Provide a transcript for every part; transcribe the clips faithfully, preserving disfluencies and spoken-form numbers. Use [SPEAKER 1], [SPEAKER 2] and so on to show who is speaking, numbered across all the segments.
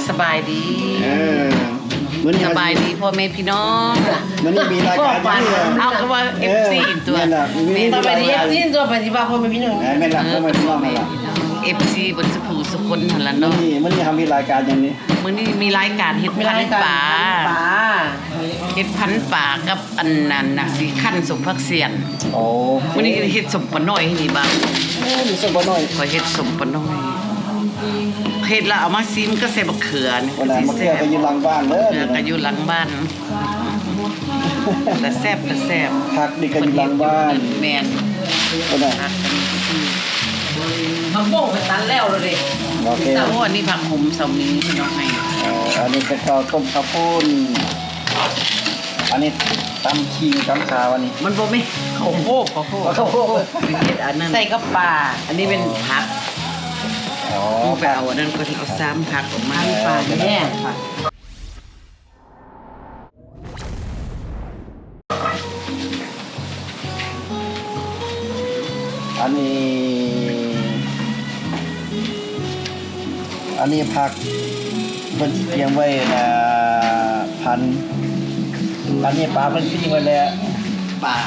[SPEAKER 1] สบายดี
[SPEAKER 2] เออมื้อนี้
[SPEAKER 1] สบายดีพ่อแม่พี่น้อง
[SPEAKER 2] มื้อนี้มีรายการอย่างนี้
[SPEAKER 1] เอาก็ว่า เอฟ ซี ตัว
[SPEAKER 2] นั่นน่ะมี
[SPEAKER 3] ต่อไป
[SPEAKER 2] ราย
[SPEAKER 3] นี้
[SPEAKER 2] การ
[SPEAKER 3] ที่ตัวไปที่บ้านพ่อแม่พี่น้อง
[SPEAKER 2] แม่นล่ะพ่อแม่พี่น้องนั่นล่ะ
[SPEAKER 1] เอฟ ซี บนสผูสุคนนั่นล่ะ
[SPEAKER 2] มื้อ
[SPEAKER 1] เนาะ
[SPEAKER 2] นี้มื้อนี้ทำมีรายการอย่างนี้
[SPEAKER 1] มื้อนี้มีรายการเฮ็ด
[SPEAKER 3] มี
[SPEAKER 1] พัน
[SPEAKER 3] รายการ
[SPEAKER 1] ป่า
[SPEAKER 3] ป่า
[SPEAKER 1] เฮ็ดพันป่ากับอันนั้นน่ะสิขั้นสมพักเสียน
[SPEAKER 2] โอ้
[SPEAKER 1] มื้อนี้เฮ็ดสมปะน้อยให้นี่บ้าง
[SPEAKER 2] มีสมบ่น้อย
[SPEAKER 1] ขอยเฮ็ดสมปะน้อยเฮ็ดแล้วเอามาซิมก็ใส่บักเขือนี่
[SPEAKER 2] วันนั้นมาเที่ยวไปอยู่หลังบ้านเด้อ
[SPEAKER 1] เขือก็อยู่หลังบ้านแต่แซ่บแต่แซ่บ
[SPEAKER 2] ผักนี่ก็อยู่หลังบ้าน
[SPEAKER 1] แม่น
[SPEAKER 2] วันนั้น
[SPEAKER 1] ผักกันที่
[SPEAKER 3] มาโป่งไปตันแล้วเลย
[SPEAKER 2] โอเค
[SPEAKER 1] แต่ว่านี่ผักหอมเสามีพี่น้องให้
[SPEAKER 2] เอ่ออันนี้เป็นข้าวต้มข้าวปุ้นอันนี้ตำขิงตำชาวันนี้
[SPEAKER 1] มันบ่แม่ข้าวโพดข้าวโพด
[SPEAKER 2] ข้าวโพด
[SPEAKER 1] เป็นเฮ็ดอันนั้น
[SPEAKER 3] ใส่กับปลา
[SPEAKER 1] อันนี้เป็นผัก
[SPEAKER 2] อ๋อ
[SPEAKER 1] มึงไปเอาอันนั้นก็ที่เอาซ้ำผักออกมา
[SPEAKER 3] ปลาแน่
[SPEAKER 2] อันนี้ อันนี้ผักเพิ่นเตรียมไว้นะพันอันนี้ปลาเพิ่นปิ้งไว้แล้ว
[SPEAKER 1] ป่า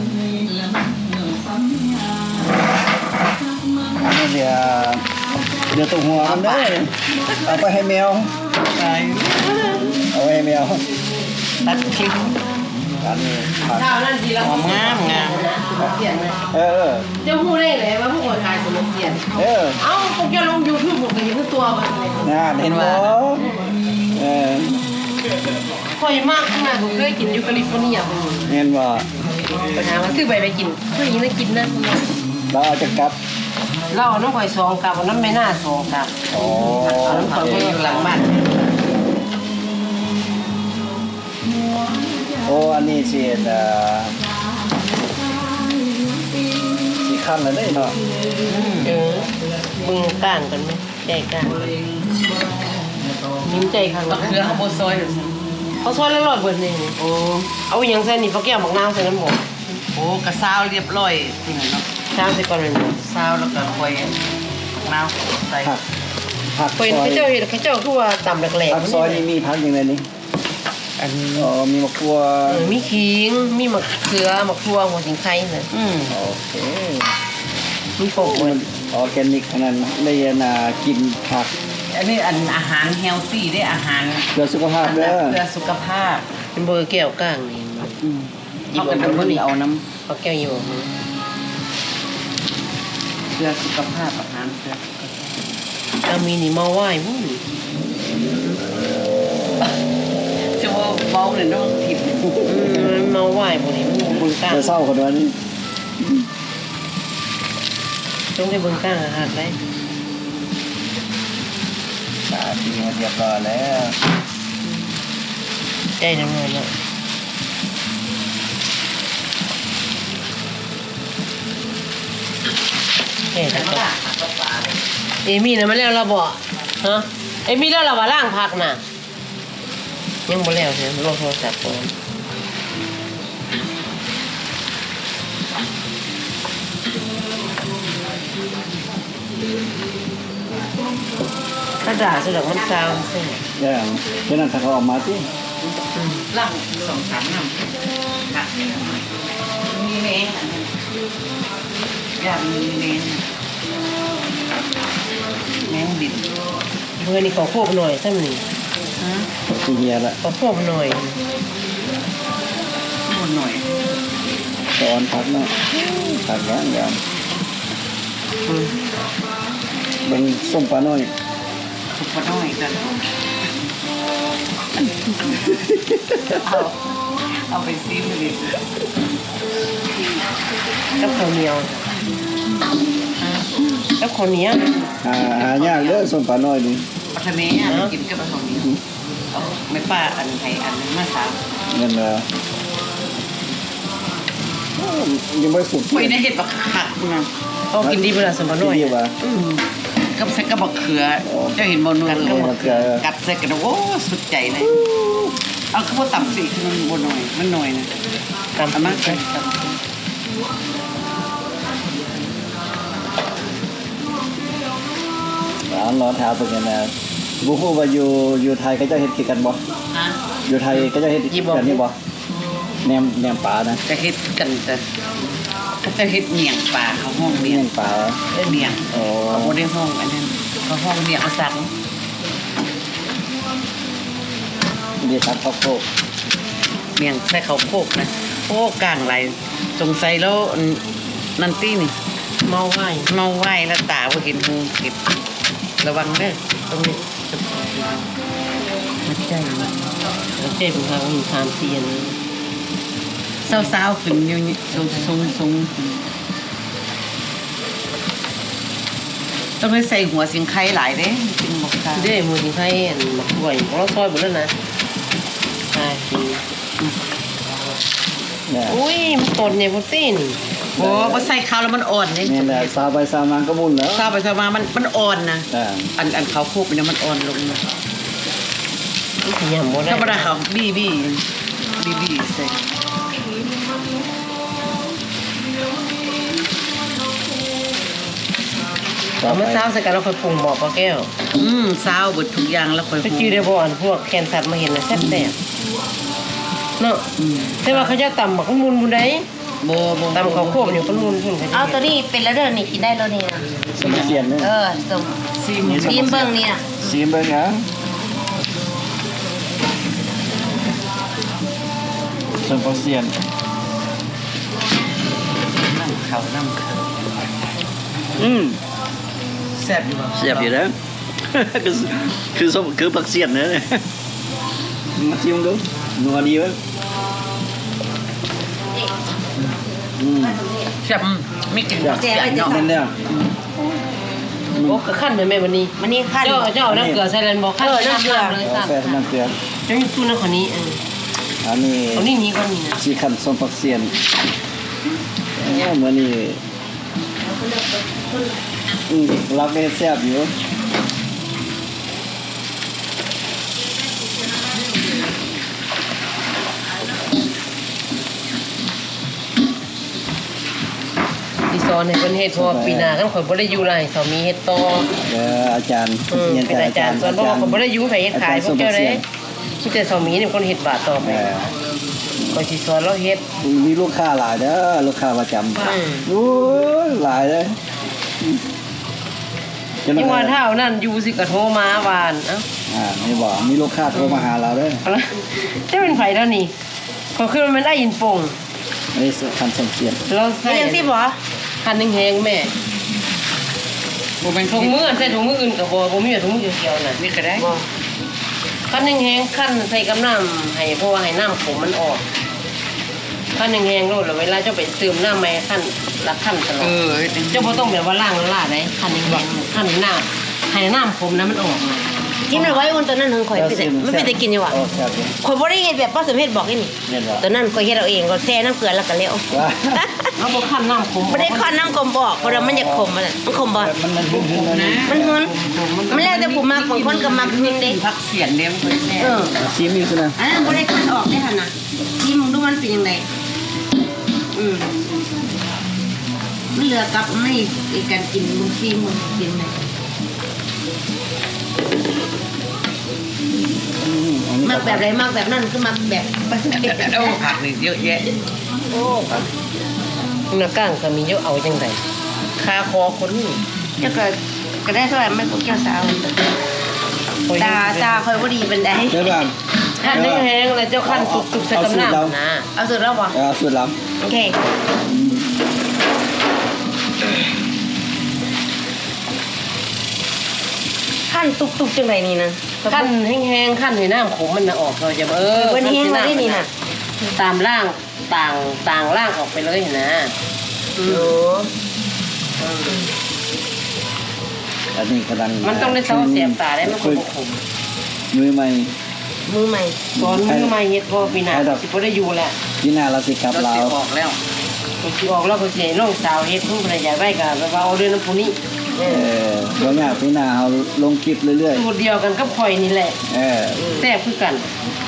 [SPEAKER 2] อันนี้เดี๋ยวเดี๋ยวตัวหัวมันเด้อเอาไปให้แมว
[SPEAKER 1] ใช่
[SPEAKER 2] เอาไปให้แมว
[SPEAKER 1] ตัดชิ้น
[SPEAKER 2] อันนี้ผัก
[SPEAKER 3] ข้าวนั่นทีละ
[SPEAKER 1] หอมงามงาม
[SPEAKER 3] เสียนเลย
[SPEAKER 2] เออ
[SPEAKER 3] จะพูดได้เลยว่าพวกคนขายสมุนเสียน
[SPEAKER 2] เออ
[SPEAKER 3] เอ้าพวกแกลงยูทูบผมก็เห็นตัวมันเลย
[SPEAKER 2] น่าเห็นบ่เออ
[SPEAKER 3] ค่อยมากขนาดผมเคยกินยูแคลิฟอร์เนียผม
[SPEAKER 2] เห็นบ่
[SPEAKER 3] ปัญหาว่าซื้อไปไปกินเคยยินได้กินนะ
[SPEAKER 2] เราเอาจะกลับ
[SPEAKER 3] เราเอาน้ำข่อยซองกับเอาน้ำไม่น่าซองกับ
[SPEAKER 2] อ๋อ
[SPEAKER 3] เอาน้ำข่อยอยู่หลังบ้าน
[SPEAKER 2] โอ้อันนี้สิเอ่อสิคั่นแล้วเด้เนาะ
[SPEAKER 3] เออมึงก้านกันไหมใจก้านยิ้มใจข้างห
[SPEAKER 1] มะ
[SPEAKER 3] ลัง
[SPEAKER 1] เขือข้าวโพดซอย
[SPEAKER 3] เขาซอยละร้อยเบิดนี่
[SPEAKER 1] โอ้
[SPEAKER 3] เอาอหย่างใส่นี่ปลาแก้วหมักนาวใส่น้ำหอม
[SPEAKER 1] โอ้กระซาวเรียบร้อยนี่เนาะ
[SPEAKER 3] ชามใส่ก่อนเลย
[SPEAKER 1] ซาวแล้วก็ค่อยน้ำใส่
[SPEAKER 2] ผักผักซ
[SPEAKER 3] เป็น
[SPEAKER 2] อย
[SPEAKER 3] ข้าเจ้าเห็นข้าเจ้าคือว่าต่ำแหลก
[SPEAKER 2] ผักซอยนี่มีผักอย่างไรนี่
[SPEAKER 1] อันนี้
[SPEAKER 2] อ๋อมีมะกรัว
[SPEAKER 3] เออมีขิงมีมะเขือมะทั่วหัวสิงไข่น่ะ
[SPEAKER 1] อืม
[SPEAKER 2] โอเค
[SPEAKER 3] มีปกหม
[SPEAKER 2] มัน
[SPEAKER 3] ด
[SPEAKER 2] ออร์แกนิกขนาดนั้นเลยนะกินผัก
[SPEAKER 1] อันนี้อันอาหารเฮลตี้ได้อาหาร
[SPEAKER 2] เพื่อสุขภาพเด้อ
[SPEAKER 1] เพื่อสุขภาพ
[SPEAKER 3] เป็นเบอร์แก้วก้างนี่
[SPEAKER 1] อืมเขาก็ต้องเอาน้
[SPEAKER 3] ปลาแก้วอยู่
[SPEAKER 1] ำเพื่อสุขภาพอาหารเพื่อสุขภาพ
[SPEAKER 3] ถ้ามีนี่มาไหว้มุ่น
[SPEAKER 1] เชื่อว่าเบาเลยเนาะผิด
[SPEAKER 3] อืมมาไหว้พวกนี้มันเบิ่งก้าง
[SPEAKER 2] เพื่อเศร้าคนวันนี้
[SPEAKER 3] ต้องได้เบิ่งก้างอาหารได้
[SPEAKER 2] ตาปีมาเรียบร้อยแล้ว
[SPEAKER 3] ใจน้ำมันเนาะเฮ้ยแต่ก็เอมี่น่ะมาแล้วเราบ่ฮะเอมี่แล้วเราว่าล้างผักน่ะยังบ่แล้วใช่ไหมลงโทรศัพท์ก่อนถ้าด่าสุดอกมันซาวใช่ไหม
[SPEAKER 2] อย่างเช่นนั้นถ้าเขาออกมาที่
[SPEAKER 1] ล่างสองสามน้ำค่ะมีแมงอันนี้อย่างมีแมงแมงบิน
[SPEAKER 3] เพื่อนนี่ขอโคบหน่อยใช่ไหมนี่
[SPEAKER 1] ฮะ
[SPEAKER 2] คุณเฮียละ
[SPEAKER 3] ขอโคบหน่อย
[SPEAKER 1] หมดหน่อย
[SPEAKER 2] สอนผักเนาะผักอย่างอย่าง
[SPEAKER 3] อืม
[SPEAKER 2] เป็นส้มปลาน้อย
[SPEAKER 1] สุกปะน้อยกันเอาเอาไปซิมเลย
[SPEAKER 3] กับข้าวเหนียวกับข้าวเหนียว
[SPEAKER 2] หาหายากเด้อส้มปลาน้อยนี่
[SPEAKER 1] ปัทเมียกินกับปลาทองนี้เอาไม่ป้าอันไทยอันมาสาว
[SPEAKER 2] เงินละยังไม่สุก
[SPEAKER 1] ไม่ได้เห็ดบักขักนะ
[SPEAKER 3] เอากินดีเวลาสมบัติหน่อย
[SPEAKER 2] ดีว่ะ
[SPEAKER 1] กับใส่กระบอกเขือเจ้าเห็นบนกัน
[SPEAKER 2] กับบะเขือ
[SPEAKER 1] กัดใส่กันโอ้สุดใจเลยเอาข้าวโพดต่ำสิมันบนหน่อยมันหน่อยนะ
[SPEAKER 3] ตาม
[SPEAKER 1] เอามาใส่
[SPEAKER 2] ร้านร้อนเท้าเป็นไงนะบุฮูว่าอยู่อยู่ไทยก็จะเฮ็ดคือกันบ่
[SPEAKER 1] ฮะ
[SPEAKER 2] อยู่ไทยก็จะเฮ็ดแบบนี้บ่แนมแนมปลานะ
[SPEAKER 1] จะเฮ็ดกันแต่ก็จะเฮ็ดเมียงปลาเขาห้องเมี
[SPEAKER 2] เมี่
[SPEAKER 1] ย
[SPEAKER 2] ย
[SPEAKER 1] ง
[SPEAKER 2] งปลา
[SPEAKER 1] เอ้ยเมียง
[SPEAKER 2] โอ้
[SPEAKER 1] เขาบ่ได้ห้องอันนั้นเขาห้องเมียงเอาสัง
[SPEAKER 2] เรียกตัดข้าวโพด
[SPEAKER 1] เมียงใส่ข้าวโพกนะโอ้กลางไหลสงสัยแล้วอันนันตี้นี่
[SPEAKER 3] เมาไหว้
[SPEAKER 1] เมาไหวแล้วตาบ่เห็นหูเก็บระวังเด้อตรงนี้จะมันใจ
[SPEAKER 3] แล้วเจ็บทางสามเตียน
[SPEAKER 1] สาวๆขึ้นอยู่นี่ทรงทรงทรงต้องไปใส่หัวสิงไคหลายเด้จริงบอกค่ะ
[SPEAKER 3] เด้มือที่ไทยอันมักบ่อยของเราซอยหมดแล้วนะใช่
[SPEAKER 2] เนี่ย
[SPEAKER 3] อุ้ยมันตนเนี่ยพุตี้นี่
[SPEAKER 1] โอ้บ่ใส่ข้าวแล้วมันอ่อนนี่
[SPEAKER 2] นี่แหละซาไปซามาก็มุ่นแล้ว
[SPEAKER 1] ซาวไปซาวมามันมันอ่อนนะ
[SPEAKER 2] อ่า
[SPEAKER 1] อันอันเขาวโคกเนี่ยมันอ่อนลงนะ
[SPEAKER 3] มันขยำบ่ได้
[SPEAKER 1] ธรรมดาเขาบี้บี้บี้บี้ใส่
[SPEAKER 2] ต่อ
[SPEAKER 3] เอา
[SPEAKER 2] ไป
[SPEAKER 3] มาเช้าใส่กันแล้วค่อยปรุงบอกปลาแก้ว
[SPEAKER 1] อืมซาวเบิดทุกอย่างแล้วค่อย
[SPEAKER 3] ไปกี้ได้บ่อันพวกแคนสัตว์มาเห็นน่ะแซ่บแซ่บเนาะ
[SPEAKER 1] อืม
[SPEAKER 3] แต่ว่าเขาจะตำบักมุนมุนได้
[SPEAKER 1] บ่บ่
[SPEAKER 3] ตำข้าวโพดอยู่คนมุนพุ่น
[SPEAKER 4] เอาตัวนี้เป็นแล้วเด้อนี่กินได้แล้วนี่นะ
[SPEAKER 2] สมเสียนเนี่ย
[SPEAKER 4] เออสม
[SPEAKER 1] ซีม
[SPEAKER 4] บีมเบิ่งนี่นะ
[SPEAKER 2] ซีมเบิ่งอ่ะสมเสียน
[SPEAKER 1] น้ำเขาน้ำเขา
[SPEAKER 2] อืม
[SPEAKER 1] แซ่บอยู่บ่
[SPEAKER 2] เสียบอยู่แล้ว คือคือส้มคือผักเสียนเนี่ยมาชิมดูนัวดีเว้ยอืม
[SPEAKER 1] แซ่บอืมมีกลิ่นดอก
[SPEAKER 4] แซ่บ
[SPEAKER 1] จัน
[SPEAKER 4] เลยจ้ะ
[SPEAKER 1] เนาะ
[SPEAKER 2] นั่นเนี่ย
[SPEAKER 3] โอ้ก็ขั้นไปแม่วันนี้
[SPEAKER 4] มันนี่ขั้น
[SPEAKER 3] เจ้าเจ้าเอาน้ำเกลือใส่แล้วบอกขั้น
[SPEAKER 4] เออน้ำเกลือ
[SPEAKER 3] เลย
[SPEAKER 2] กา
[SPEAKER 3] สั่
[SPEAKER 2] แฟน้ำเกลือ
[SPEAKER 3] เจ้าอยู่ตู้นั่นคนนี้เออ
[SPEAKER 2] อันนี้
[SPEAKER 3] เอานี่นี้คนนี้นะ
[SPEAKER 2] ชีขันส้มผักเสียนเอ้ยเหมือนนี่อืมรักได้แซ่บอยู่
[SPEAKER 3] ที่สอนให้เพิ่นเฮ็ดเพราะว่าปีหน้าคันข่อยบ่ได้อยู่ไรสามีเฮ็ดต่อ
[SPEAKER 2] เดี๋ยวอาจารย์
[SPEAKER 3] อืมเป็นอาจารย์สอนเพราะว่าข่อยบ่ได้อยู่ไผเฮ็ดขายพวกเจ้าเด้มีแต่สามีนี่เป็นคนเฮ็ดบาทต่อไป
[SPEAKER 2] เออ
[SPEAKER 3] ข่อยสิสอนเราเฮ็ด
[SPEAKER 2] มีลูกค้าหลายเด้อลูกค้าประจ
[SPEAKER 3] อืม
[SPEAKER 2] ำโอ้ยหลายเลยจน
[SPEAKER 3] ยังว่าเท่านั้นอยู่สิก็โทรมาหวานเอ้า
[SPEAKER 2] อ่าไม่บอกมีลูกค้าโทรมาหาเราเด้อ
[SPEAKER 3] เอาละจะเป็นไผแล้วนี่ก็คือมันได้ยินโป่ง
[SPEAKER 2] อันนี้คันส้มเสียน
[SPEAKER 3] เรา
[SPEAKER 4] ไม่
[SPEAKER 3] ใส่
[SPEAKER 4] ยังสิบ่
[SPEAKER 3] คันแห้งๆแม่
[SPEAKER 1] บ่เป็น
[SPEAKER 3] ถุงมืออันใส่ถุงมืออื่นก็บ่บ่มีแต่ถุงมือเขียวๆน่ะ
[SPEAKER 1] นี่ก็ได้
[SPEAKER 3] บ่คันแห้งๆคันใส่กับน้ำให้เพราะว่าให้น้ำขมมันออกคันแห้งๆโลดแล้วเวลาเจ้าไปเติมน้ำใหม่คันละคันตลอ
[SPEAKER 1] เอ
[SPEAKER 3] ด
[SPEAKER 1] อ
[SPEAKER 3] เจ้าบ่ต้องแบบว่าล้างแล้วลาดได้คันแห้งๆคันน้ำให้น้ำขมนั้นมันออกมา
[SPEAKER 4] กินเอาไว้อุ่นตัวนั้นของข่อยเป็นแต่มันเป็นแต่กินอยู่ว่ะ
[SPEAKER 2] โอ้แซ่บอยู่
[SPEAKER 4] ข่อยบ่ได้เฮ็ดแบบป้าสมเฮ็ดบอกอีนี่
[SPEAKER 2] เนี่ยเหรอ
[SPEAKER 4] ตัวนั้นข่อยเฮ็ดเอาเองก็แช่น้ำเกลือแล้วก็แล้ว
[SPEAKER 2] ว้า
[SPEAKER 3] เอาบ่คันน้ำขม
[SPEAKER 4] บ่ได้คั่นน้ำกลมออกเพราะว่ามันอยากขมมันน่ะมันขมบ่
[SPEAKER 2] มันมันหึ่งหึ่งเลยนะ
[SPEAKER 4] มันหืนมันแล้วแต่ผู้มักบางคนก็มักหืนเด้
[SPEAKER 1] พักเสียนเด้มันค่อยแซ่
[SPEAKER 4] เอบ อ
[SPEAKER 2] ชิมอีกสินะ
[SPEAKER 4] อันนั้นบ่ได้คั่นออกได้หั่นน่ะที่มึงดูมันเป็นจังไดอืมมันเหลือกับไม่อีกการกินมึงซีมึงกินไหน
[SPEAKER 2] อืมอันนี้
[SPEAKER 4] มักแบบไรมักแบบนั้นคือมักแบบป้าสมเฮ็ด
[SPEAKER 1] โอ้ผักนี่เยอะแยะ
[SPEAKER 4] โอ้
[SPEAKER 3] หน้าก้างก็มีเยอะเอาจังไดคาคอคนนี่
[SPEAKER 4] เจ้าก็ก็ได้เท่าไหร่ไม่พวกเจ้าสาวตาตาคอยบ่ดีปานใด
[SPEAKER 2] เจ้าบ้าน
[SPEAKER 3] คันแห้งๆแล้วเจ้าคันตุกๆใส่กับน้ำนะ
[SPEAKER 4] เอาสุดแล้วบ่
[SPEAKER 2] เอาสูตรลั
[SPEAKER 4] โอเคขั้นตุกๆจังไดนี่นะ
[SPEAKER 3] ขั้นแห้งๆขั้นให้น้ำขมมันน่ะออกเราจะเออ
[SPEAKER 4] เพิ่นแห้งมาได้นี่น่ะ
[SPEAKER 3] ตามล่างต่างต่างล่างออกไปเลยนะ
[SPEAKER 4] โอ้
[SPEAKER 2] อันนี้กำลัง
[SPEAKER 3] มันต้องได้เซาเสียบตาได้มันก็บ่ขม
[SPEAKER 2] มือใหม่
[SPEAKER 4] มือใหม่
[SPEAKER 3] ตอนมือใหม่เฮ็ดพอปีหน้าสิบ่ได้อยู่แหละ
[SPEAKER 2] ที่หน้าเราสิครับ
[SPEAKER 1] เรา
[SPEAKER 2] เรา
[SPEAKER 1] สิออกแล้ว
[SPEAKER 3] ก็สิออกแล้วก็สิให้น้องสาวเฮ็ดผู้ภรรยาไว้ก็แบบว่าเอาเรื่องน้ำผู้นี้
[SPEAKER 2] เออบ่ยากที่หน้าเราลงคลิปเรื่อย
[SPEAKER 3] สูตรเดียวกันกับข่อยนี่แหละ
[SPEAKER 2] ๆเออ
[SPEAKER 3] แซ่บคือกัน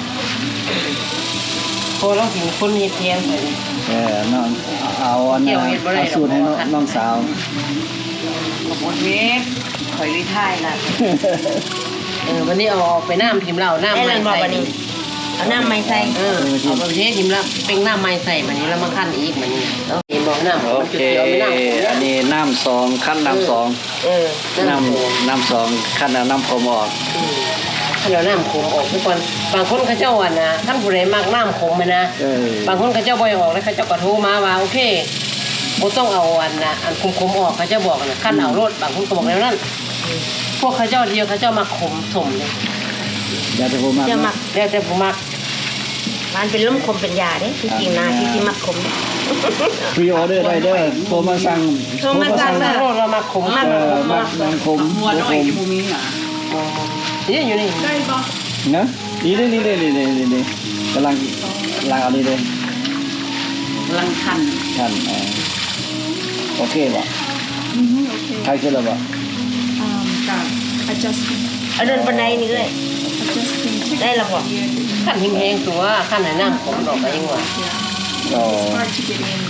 [SPEAKER 3] พอเราถึงคนเฮ็ดแทนไป
[SPEAKER 2] เออน้องเอาอัน
[SPEAKER 3] เกี่
[SPEAKER 2] นั้
[SPEAKER 3] ยวน เฮ็ดบ่ได้
[SPEAKER 2] เอาสูตรให้น้อง
[SPEAKER 3] หรอก
[SPEAKER 2] น้องสาว
[SPEAKER 1] ขอบคุณเฮ็ดข่อยลิทายล่ะ
[SPEAKER 3] เออวันนี้เอาออกไปน้ำพิมพ์เราน้ำ
[SPEAKER 4] ได้
[SPEAKER 3] ไม้
[SPEAKER 4] เลยบอก
[SPEAKER 3] ใส่
[SPEAKER 4] วันนี้เอาน้ำไม่ใส่
[SPEAKER 3] เออเอาไปเทพิมพ์แล้วเป็นน้ำไม้ใส่วันนี้แล้วมาขั้นอีกวันนี้แล้วเห็นบอกน้ำ
[SPEAKER 2] โอเคอันนี้น้ำสองขั้นน้ำสอง
[SPEAKER 3] เออ
[SPEAKER 2] น้ำน้ำสองขั้นเอาน้ำขมออก
[SPEAKER 3] ขั้นเราน้ำขมออกทุกคนบางคนเขาเจ้าวันนะท่านผู้ใดมากน้ำขมไหมนะ
[SPEAKER 2] เออบ
[SPEAKER 3] างคนเขาเจ้าบ่อยออกแล้วเขาเจ้าก็โทรมาว่าโอเคบ่ต้องเอาอันนะอันขมๆออกเขาเจ้าบอกนะขั้นเอารถบางคนก็บอกแล้วนั่นพวกเขาเจ้าเดียวเขาเจ้ามาขมสมเลย
[SPEAKER 2] อยากจะพูดมาก
[SPEAKER 4] จะหมัก
[SPEAKER 3] แล้วแต่ผู้มัก
[SPEAKER 4] มันเป็นล้มคมเป็นยาเด้ที่จริงนะที่ที่มักคม
[SPEAKER 2] พรีออเดอร์ได้เด้อโทรมาสั่ง
[SPEAKER 4] โทรมาสั่ง
[SPEAKER 3] ถ้าโรถเรามาขม
[SPEAKER 4] มัก
[SPEAKER 2] เออ
[SPEAKER 4] คม
[SPEAKER 2] มั
[SPEAKER 4] มาก ก
[SPEAKER 2] มันคม
[SPEAKER 1] มัวน้อยอยู่มีอ่ะ
[SPEAKER 3] นี่อยู่นี่
[SPEAKER 1] ได้ปะ
[SPEAKER 2] นะนี่นี่นี่นี่นี่นี่นี่กำลังกำลังเอานี่เลย
[SPEAKER 1] ลังคัน
[SPEAKER 2] ท่านอ่าโอเคป่ะ
[SPEAKER 5] อือฮึโอเค
[SPEAKER 2] ใครช่วยเราป่ะ
[SPEAKER 5] อ่ากับ adjusting
[SPEAKER 4] เอาเดินบันไดนี่เลย
[SPEAKER 5] adjusting
[SPEAKER 4] ได้แล้วบ่
[SPEAKER 3] ขั้นแห้งๆตัวขั้นไหนน้ำขมออกไปเองว่ะ
[SPEAKER 2] ก็
[SPEAKER 5] it's hard to get in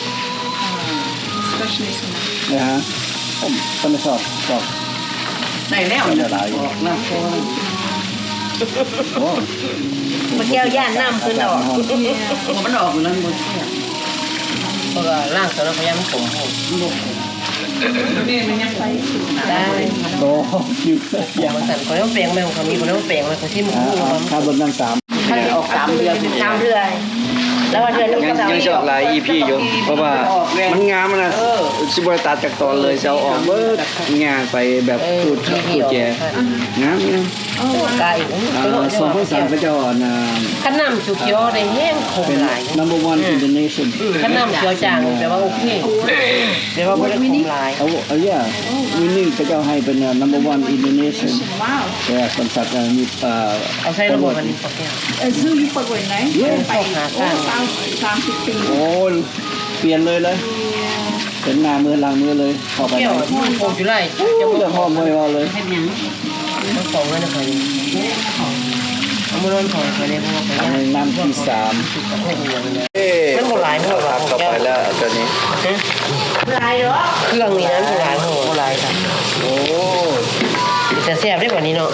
[SPEAKER 5] uh, especially so now
[SPEAKER 2] นะฮะผมต้องไปสอบสอบ
[SPEAKER 1] ได้แล้วนะออกนะโอ้
[SPEAKER 2] โอ้
[SPEAKER 4] มาแก้วย่านน้ำขึ้นออก
[SPEAKER 1] มันออกอยู่แล้วมันเสีย
[SPEAKER 3] เพราะว่าร่างตัวเราพยายามขมโหด
[SPEAKER 1] นี่มันยังไปสุด
[SPEAKER 3] ได้
[SPEAKER 2] โตอยู่อ
[SPEAKER 3] อย่า
[SPEAKER 2] ย่าง
[SPEAKER 3] มาสั่นคนต้องเปลี่ยนไปของเขามีคนต้องเปลี่ยนมาคนที่มึง
[SPEAKER 2] อ่า
[SPEAKER 3] พูดว่า
[SPEAKER 2] ค่าบนน้ำสาม
[SPEAKER 1] ถ้าจะออกสามเดือน
[SPEAKER 4] ตามเรือแล้วว่าเรือลูก
[SPEAKER 2] ยั
[SPEAKER 4] ก
[SPEAKER 2] ง
[SPEAKER 4] ระเป๋า
[SPEAKER 2] ยังชอบหลาย อี พี อยู่เพราะว่ามันงามนะสิบริตัดจากตอนเลยจะเอาออกเบิดงานไปแบบ
[SPEAKER 3] เออ
[SPEAKER 2] พูด
[SPEAKER 3] ที่
[SPEAKER 2] พู
[SPEAKER 3] เดี
[SPEAKER 2] ด
[SPEAKER 3] ยว
[SPEAKER 2] แจงามงาม
[SPEAKER 3] กายอีก
[SPEAKER 2] อ่าสองภาษาพระเจ้าอ่ะนะ
[SPEAKER 3] ขั้นน้ำสุเขียวได้แห้งขม
[SPEAKER 2] เป็น
[SPEAKER 3] หลาย
[SPEAKER 2] number one in the nation
[SPEAKER 3] ขั้นน้ำเขียวจางแปลว่าโอเคแปลว่าไม่ได้ขมหลาย
[SPEAKER 2] เอาเอาอย่าวินนิ่งพระเจ้าให้เป็น number one in the nation
[SPEAKER 5] wow
[SPEAKER 2] แต่สันสัตว์มีเอ่อ
[SPEAKER 3] เอาใช้ระบบอันนี้ปะแก้ว
[SPEAKER 5] เออซื้อญี่ปุ่นไว้ไหนไปโอ้สามสามสิบปี
[SPEAKER 2] โอ้ยเปลี่ยนเลยเลยเป็นหน้ามือหลังมือเลยเข้าไป
[SPEAKER 3] แก้ว
[SPEAKER 2] ใน
[SPEAKER 3] มันโคจุไลจะ
[SPEAKER 2] เรื่องพ่อมวยเราเลย
[SPEAKER 1] เห็นยัง
[SPEAKER 3] มันของเงินนะครเอามาโดนของไปเลยเพราะว่าไป
[SPEAKER 2] อันนี้น้ำที่สาม
[SPEAKER 3] ประเภทอย่างนี้
[SPEAKER 2] เอ๊ะ
[SPEAKER 3] มันหมดหลายหมดหรอ
[SPEAKER 2] เข้าไปแล้วตอนนี้
[SPEAKER 4] ลายเหรอ
[SPEAKER 3] เครื่องนี้นั้นหลายหัวหลายค่ะ
[SPEAKER 2] โอ้
[SPEAKER 3] จะแซ่บได้กว่านี้เนาะ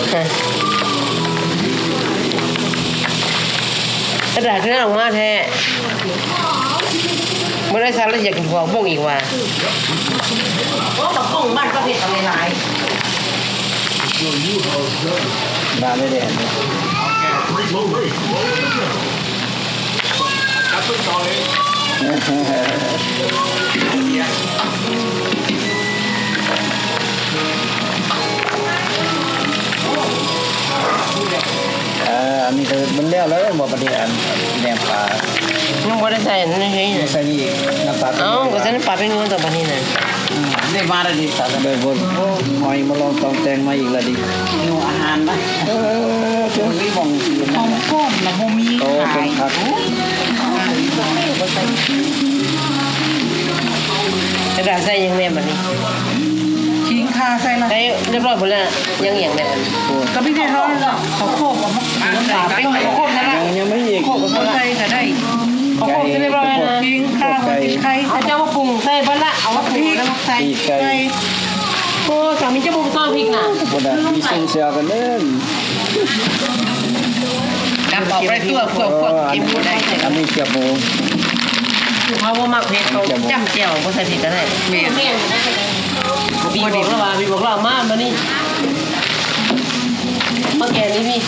[SPEAKER 3] กระดาษที่นั่นออกมาแท้เมื่อได้ซันแล้วอยากกินหัวบ้งอีกว่า
[SPEAKER 4] โอ้บักกุ้งบ้านประเภทอะไรหลาย
[SPEAKER 2] บาไม่แดง เอ่ออันนี้คือมันเลี้ยวแล้วบอกประเดี๋ยวอันแดงปลา
[SPEAKER 3] ยังบ่ได้ใส่นั่นเฮ้ย
[SPEAKER 2] ใส่นี่น้ำปลา
[SPEAKER 3] เอ้าก็ฉันปลาเป็นเงินต่อไปนี่น่ะ
[SPEAKER 1] ได้มาแล้วดีสัตว์
[SPEAKER 2] เดินบนหอยมาลองตองแตงมาอีกแล้วดิ
[SPEAKER 1] หิวอาหารนะ
[SPEAKER 2] เออเจ้า
[SPEAKER 1] มีบ่งสีมองก้อมนะบ่มี
[SPEAKER 2] โตเป็นผัก
[SPEAKER 3] กระดาษใส่ยังแม่บัดนี้
[SPEAKER 1] ทิ้งคาใส่ละ
[SPEAKER 3] ใส่เรียบร้อยหมดแล้วยังอย่างแบบ
[SPEAKER 1] ก็ไม่ได้ร้อนหรอกเขาโคกกับมันปลาเป็นเขาโคกนั่นแหละ
[SPEAKER 2] ยังยังไม่อีก
[SPEAKER 1] โคกกับมันใส่ก็ได้
[SPEAKER 3] เขาโคกเรียบร้อยนะ
[SPEAKER 1] ทิ้งคาทิ้งไข่
[SPEAKER 3] ถ้าเจ้าว่าปรุงใส่บ่ละเอาว่าปรุงแล้วใส่
[SPEAKER 2] ปีกไก่
[SPEAKER 3] โอ้สามีจะปรุงซอสพริกน่ะ
[SPEAKER 2] บนอ่ะมีซุ่มเสียกันเด้อ
[SPEAKER 3] กำออกไปตัวพวกพวกกินบ่ได้
[SPEAKER 2] อันนี้เกี๊ยวหมู
[SPEAKER 3] เขาบ่มักเผ็ดเขาจ้ำแจ่วบ่ใส่พริกก็ได้แม่นมีบอกแล้วว่ามีบอกแล้วมามานี่มาแกนี่พี่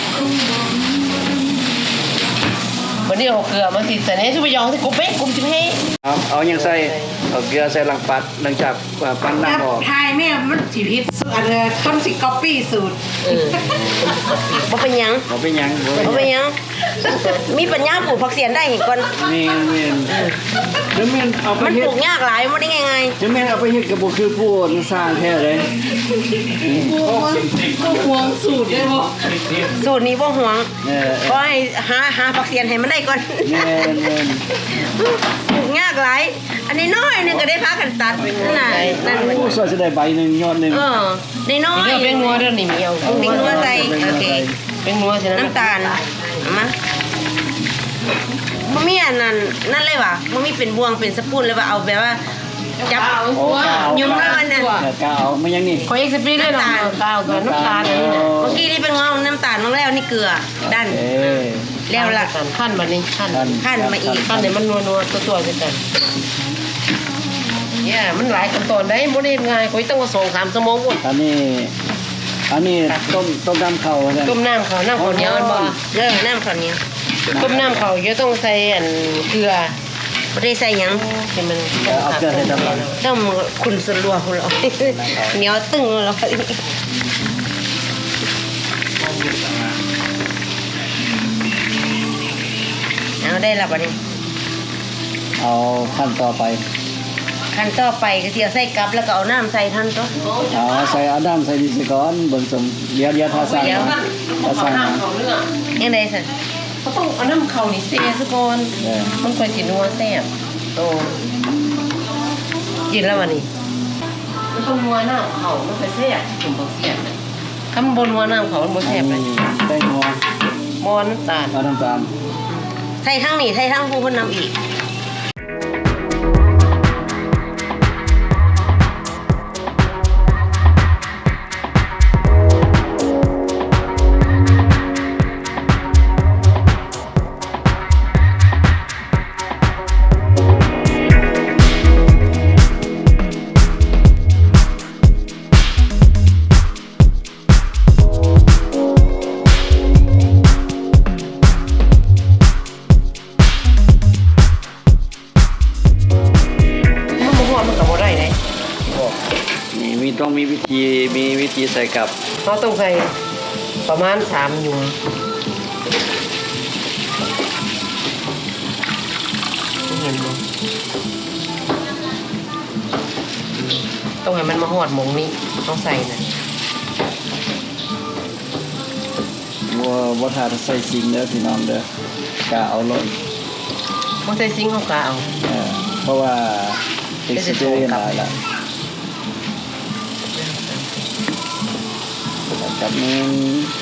[SPEAKER 3] วันนี้เอาเกลือมาติดใส่ในชุบยองที่กุ๊บเป๊ะกุ๊บจิเพ่
[SPEAKER 2] เอาเอายังใส่เอาเกลือใส่หลังปัดหลังจากปั้นน้ำออก
[SPEAKER 1] ทายแม่มันสิพิษอันเนี้ยต้นสิก๊อปปี้สูตร
[SPEAKER 4] บ่เป็นหยัง
[SPEAKER 2] เอาไปยัง
[SPEAKER 4] บ่เป็นหยังมีปัญญาปลูกผักเสียนได้อีกคน
[SPEAKER 2] นี่นี่เดี๋ยวแม่นเอาไป
[SPEAKER 4] มัน
[SPEAKER 2] เฮ็
[SPEAKER 4] ป
[SPEAKER 2] ด
[SPEAKER 4] ลูกยากหลายบ่ได้ง่าย
[SPEAKER 2] เดี๋ยวแม่นเอาไปเฮ็ดกับบ่คือผู้สร้างแท้เลย
[SPEAKER 1] ห่วงสูตรได้บ่
[SPEAKER 4] ๆสูตรนี้บ่ห่วง
[SPEAKER 2] เออ
[SPEAKER 4] ก็ให้หาหาผักเสียนให้มันได้ก่อน
[SPEAKER 2] แม่นแม่น
[SPEAKER 4] ปลูกยากหลายอันนี้น้อยหนึงก็ได้พากันตัดนั่นน่ะนั่น
[SPEAKER 2] โอ้สวยจะได้ใบหนึงยอดหนึง
[SPEAKER 4] เออได้น้อย
[SPEAKER 3] นี่เป็นงัวเด้อนี่มีเอา
[SPEAKER 4] เป็นนัวใส่โอเค
[SPEAKER 3] เป็นงัวใช่ไหม
[SPEAKER 4] น้ำตาลเอามาบ่มีอันนั้นนั่นเลยว่ะบ่มีเป็นบวงเป็นสปูนเลยว่าเอาแบบว่าจับ
[SPEAKER 2] โอ้กาว
[SPEAKER 4] ยุ่งแล้วมันน่ะ
[SPEAKER 2] เนี่ยกาวไม่ยังนี่
[SPEAKER 3] ขอเอ็กซ์พีด้วยนะกาวตัวน้ำตาลอันนี้นะ
[SPEAKER 4] เมื่อกี้นี่เป็นเงาน้ำตาลมาแล้วนี่เกลือดัน
[SPEAKER 2] เอ้ย
[SPEAKER 4] แล้วละ
[SPEAKER 3] ขั้นมานี่ขั้น
[SPEAKER 4] ขั้นมาอีก
[SPEAKER 3] ขั้นเนี่ยมันนัวนัวตัวตัวกันกันเนี่ยมันหลายขั้นตอนได้โมได้ง่ายคุยตั้งว่าสองสามชั่วโมงหมด
[SPEAKER 2] อันนี้อันนี้ต้มต้มน้ำเข่าเนี่ย
[SPEAKER 3] ต้มน้ำเขาน้ำเขาเหนียวอันบ่
[SPEAKER 4] เรื่องน้ำข้าวเหนียว
[SPEAKER 3] ต้มน้ำเขาเยอะต้องใส่อันเกลือ
[SPEAKER 4] ไม่ได้ใส่หยัง
[SPEAKER 3] ที่มัน
[SPEAKER 2] เอาเกลือใส่ตลอด
[SPEAKER 4] ต้องขุ่นสลัวคุณเราเหนียวตึงเราเอาได้ละบัดนี้
[SPEAKER 2] เอาขั้นต่อไป
[SPEAKER 4] ขั้นต่อไปก็เสียใส่กับแล้วก็เอาน้ำใส่ท่านก็
[SPEAKER 2] เอาใส่อาดัมใส่ดิสก่อนเบิ่งสมเดี๋ยวเดี๋ยวทาสั่ง
[SPEAKER 3] เดี๋ยว
[SPEAKER 2] นะ
[SPEAKER 3] มัน
[SPEAKER 2] ทา
[SPEAKER 3] เขา
[SPEAKER 2] สั่ง
[SPEAKER 3] น้ำ
[SPEAKER 2] นะ
[SPEAKER 3] เขาเนื้อ
[SPEAKER 4] ยังไงสิ
[SPEAKER 3] เขาต้องเอาน้ำเขานี่เสียซะก่อน
[SPEAKER 2] เออ
[SPEAKER 3] มันค่อยสินัวแซ่บโตกินแล้ววันนี้มันต้องนัวน้ำเขามันไปแซ่บผมบอกเสียบนะคำบนนัวน้ำเขามันบ่แซ่บเลย
[SPEAKER 2] แป้งนัว
[SPEAKER 3] มอน้ำตาล
[SPEAKER 2] เอาน้ำตาล
[SPEAKER 4] ใส่ทั้งนี้ใส่ทั้งผู้คนนำอีก
[SPEAKER 3] มันบ่ฮอดมันก็บ่ได้เลย
[SPEAKER 2] นี่มีต้องมีวิธีมีวิธีใส่กับ
[SPEAKER 3] เราต้องใส่ประมาณสามหยวงเห็นบ่ต้องให้มันมาฮอดหมองนี้ต้องใส่น่ะ
[SPEAKER 2] ว่าว่าทาใส่ซิงเด้อพี่น้องเด้อกะเอาลง
[SPEAKER 3] บ่ใส่ซิงค์เขาก็เอา
[SPEAKER 2] เออเพราะว่าเอ็กซ์เพรียนหลายละกับนึง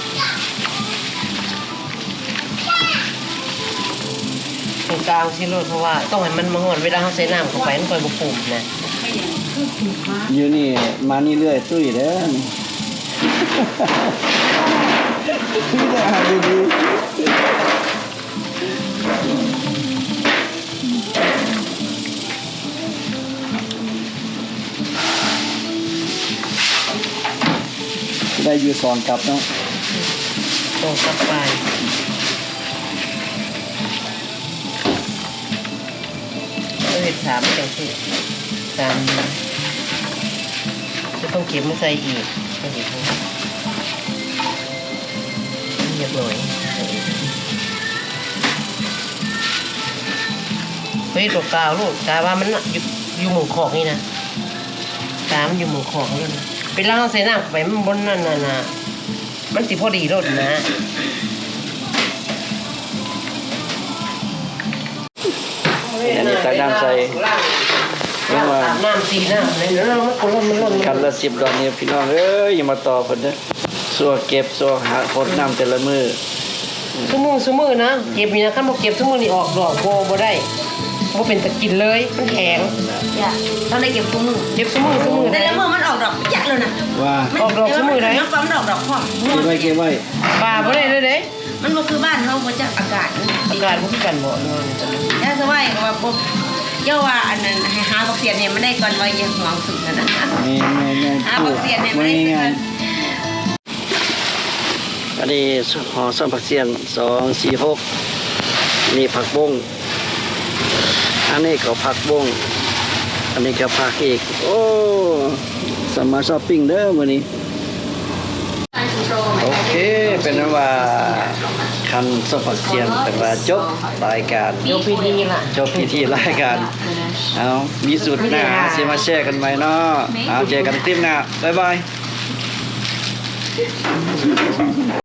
[SPEAKER 3] ตรงกลางสิโลดเพราะว่าต้องให้มันมาฮอดเวลาเฮาใส่น้ำเข้าไปมันค่อยบ่ปุ่มนะ
[SPEAKER 2] อยู่นี่มานี่เรื่อยตุ้ยเด้อนี่ พี่จะหาดีๆได้อยู่สองกับเนาะ
[SPEAKER 3] ตรงกับปลายเอาเห็ดสามจังซี่สามจะต้องเก็บมาใส่อีกต้องเก็บมาเรียบร้อยเฮ้ยตัวกาวลูกกาว่ามันน่ะอยู่อยู่หมุงขอกนี่นะกามันอยู่หมุงขอกนี่นะเป็นล่างใส่น้ำเข้าไปมันบนนั่นน่ะนะมันสิพอดีรสนะ
[SPEAKER 2] อันนี้ตักน้ำใส่เรียกว่า
[SPEAKER 3] อาบน้ำสีน้ำเลยแล้วมันก็ร่นมันร่น
[SPEAKER 2] กันละสิบดอกเนี่ยพี่น้องเอ้ยอย่ามาต่อเพิ่นเด้อสัวเก็บสัวหาคนน้ำแต่ละมือ
[SPEAKER 3] สมือสมือนะเก็บนี่นะคันบ่เก็บสมือนี่ออกดอกบ่บ่ได้บ่เป็นตะกินเลยมันแข็ง
[SPEAKER 4] อย่าต้องได้เก็บคู่มือ
[SPEAKER 3] เก็บสมือสมือ
[SPEAKER 4] แต่
[SPEAKER 3] ได้
[SPEAKER 4] ละมือมันออกดอกยักเลยนะ
[SPEAKER 2] ว่า
[SPEAKER 3] ออกดอกสมือได้
[SPEAKER 4] มันปั๊มดอกดอกพร้อม
[SPEAKER 2] เก็บไว้เก็บไว้
[SPEAKER 3] ป่าบ่ได้เลยเด้
[SPEAKER 4] มันก็คือบ้านเขาบ่จักอากาศ
[SPEAKER 3] อากาศบ่คือกันบ่เนาะ
[SPEAKER 4] ย่าสบายก็ว่าบ่เจ้าว่าอันนั้นให้หาบักเสียนเนี่ยมันได้ก่อนไว้อย่าห่วงสุดนะ
[SPEAKER 2] แม่แม่แม่
[SPEAKER 4] หาบักเสียนเนี่ยมัน
[SPEAKER 2] ไม่
[SPEAKER 4] ได้ก่
[SPEAKER 2] ง่า
[SPEAKER 4] อย น
[SPEAKER 2] อันนี้ห่อส้มผักเสียนสองสี่หกนี่ผักบุ้งอันนี้ก็ผักบุ้งอันนี้ก็ผักอีกโอ้สามารถช้อปปิ้งเด้อมื้อนี้โอเคเป็นว่าคันส้มผักเสียนเป็นว่าจบรายการ
[SPEAKER 3] เดี๋ยวพิธีล่ะ
[SPEAKER 2] จบพิธีรายการ เอามีสุดหน้าสิมาแชร์กันไหมเนาะเอาเจอกันคลิปหน้า บ๊ายบาย